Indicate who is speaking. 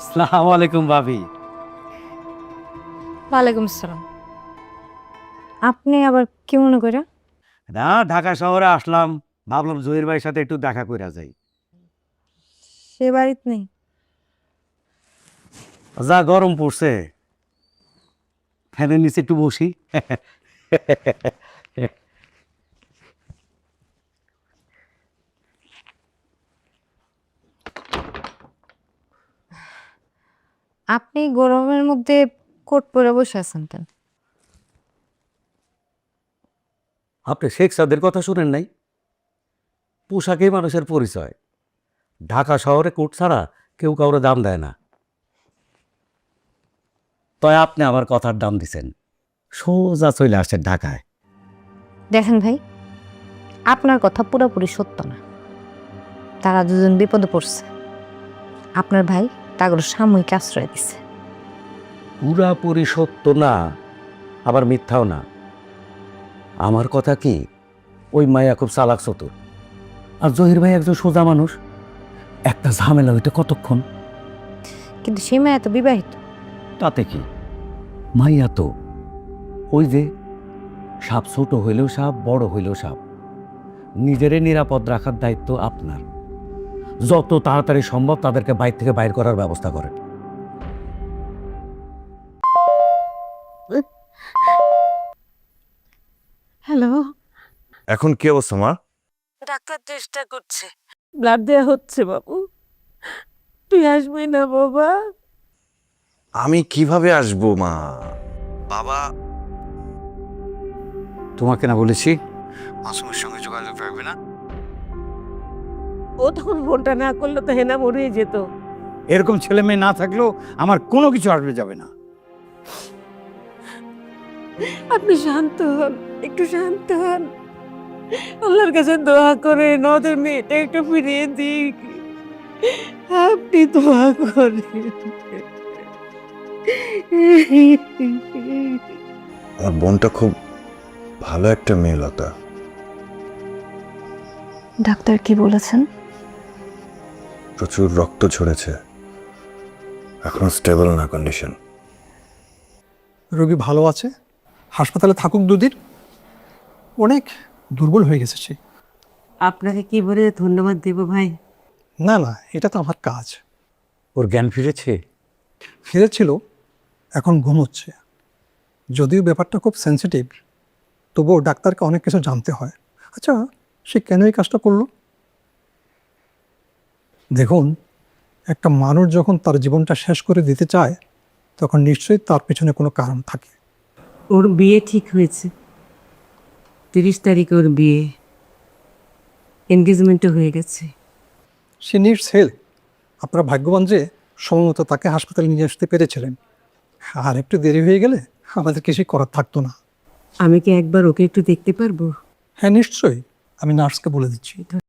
Speaker 1: আসসালামু আলাইকুম ভাবি।
Speaker 2: ওয়ালাইকুম আসসালাম। আপনি আবার কি মনে করে?
Speaker 1: না, ঢাকা শহরে আসলাম, ভাবলাম জহির ভাইয়ের সাথে একটু দেখা কইরা যাই।
Speaker 2: সে বাড়িতে নেই।
Speaker 1: যা গরম পড়ছে, ফ্যানের নিচে একটু বসি।
Speaker 2: আপনি গরমের মধ্যে কোট পরে বসে আছেন কেন?
Speaker 1: আপনি শেখ সাদের কথা শুনেন নাই? পোশাকেই মানুষের পরিচয়। ঢাকা শহরে কোট ছাড়া কেউ কাউরে দাম দেয় না। তাই আপনি আমার কথার দাম দিছেন, সোজা চলে আসছেন ঢাকায়।
Speaker 2: দেখেন ভাই, আপনার কথা পুরোপুরি সত্য না। তারা দুজন বিপদে পড়ছে। আপনার ভাই তাগর সাময়িক আশ্রয় দিছে।
Speaker 1: পুরাপুরি সত্য না, আবার মিথ্যাও না। আমার কথা কি, ওই মায়া খুব চালাক চতুর, আর জহির ভাই একজন সোজা মানুষ। একটা ঝামেলা হইতে কতক্ষণ?
Speaker 2: কিন্তু সে মেয়ে তো বিবাহিত।
Speaker 1: তাতে কি, মাইয়া তো ওই যে সাপ, ছোট হইলেও সাপ, বড় হইলেও সাপ। নিজেরে নিরাপদ রাখার দায়িত্ব আপনার। যত তাড়াতাড়ি সম্ভব তাদেরকে বাইর থেকে বাইর করার ব্যবস্থা করেন।
Speaker 2: হ্যালো,
Speaker 3: এখন কি অবস্থা মা?
Speaker 4: ডাক্তার চেষ্টা করছে, ব্লাড দেওয়া হচ্ছে বাবু। তুই আসবি না বাবা?
Speaker 3: আমি কিভাবে আসবো মা? বাবা
Speaker 1: তোমাকে না বলেছি
Speaker 3: মাসুমের সঙ্গে যোগাযোগ রাখবে না?
Speaker 4: ও তখন ফোনটা না করলে তো হেনা মরেই যেত।
Speaker 5: এরকম ছেলে মেয়ে না থাকলেও আমার কোনো কিছু আসবে যাবে না।
Speaker 4: আপনি শান্ত হন, একটু শান্ত হন। আল্লাহর কাছে দোয়া করে ওদের মেয়েটা একটু ফিরিয়ে দিক। আপনি দোয়া করেন।
Speaker 3: আমার বোনটা খুব ভালো একটা মেয়ে লতা।
Speaker 2: ডাক্তার কি বলেছেন?
Speaker 3: প্রচুর রক্ত ঝরেছে, এখন স্টেবল না কন্ডিশন।
Speaker 6: রোগী ভালো আছে, হাসপাতালে থাকুক দুদিন। অনেক দুর্বল হয়ে গেছে সে।
Speaker 4: আপনাকে কি বলে ধন্যবাদ দেব ভাই?
Speaker 6: না না, এটা তো আমার কাজ।
Speaker 1: ওর জ্ঞান ফিরেছে?
Speaker 6: ফিরেছিল, এখন ঘুমোচ্ছে। যদিও ব্যাপারটা খুব সেন্সিটিভ, তবুও ডাক্তারকে অনেক কিছু জানতে হয়। আচ্ছা, সে কেন এই কাজটা করলো? দেখুন, একটা মানুষ যখন তার জীবনটা শেষ করে দিতে চায়, তখন নিশ্চয়ই তার পেছনে কোনো কারণ থাকে।
Speaker 4: ওর বিয়ে ঠিক হয়েছে, 30 তারিখে ওর বিয়ে, এনগেজমেন্টও হয়ে গেছে।
Speaker 6: সে নিডস হেল্প। আপনারা ভাগ্যবান যে সময়মতো তাকে হাসপাতালে নিয়ে আসতে পেরেছিলেন। আর একটু দেরি হয়ে গেলে আমাদের কিছুই করার থাকতো না।
Speaker 4: আমি কি একবার ওকে একটু দেখতে পারবো?
Speaker 6: হ্যাঁ নিশ্চয়ই, আমি নার্সকে বলে দিচ্ছি।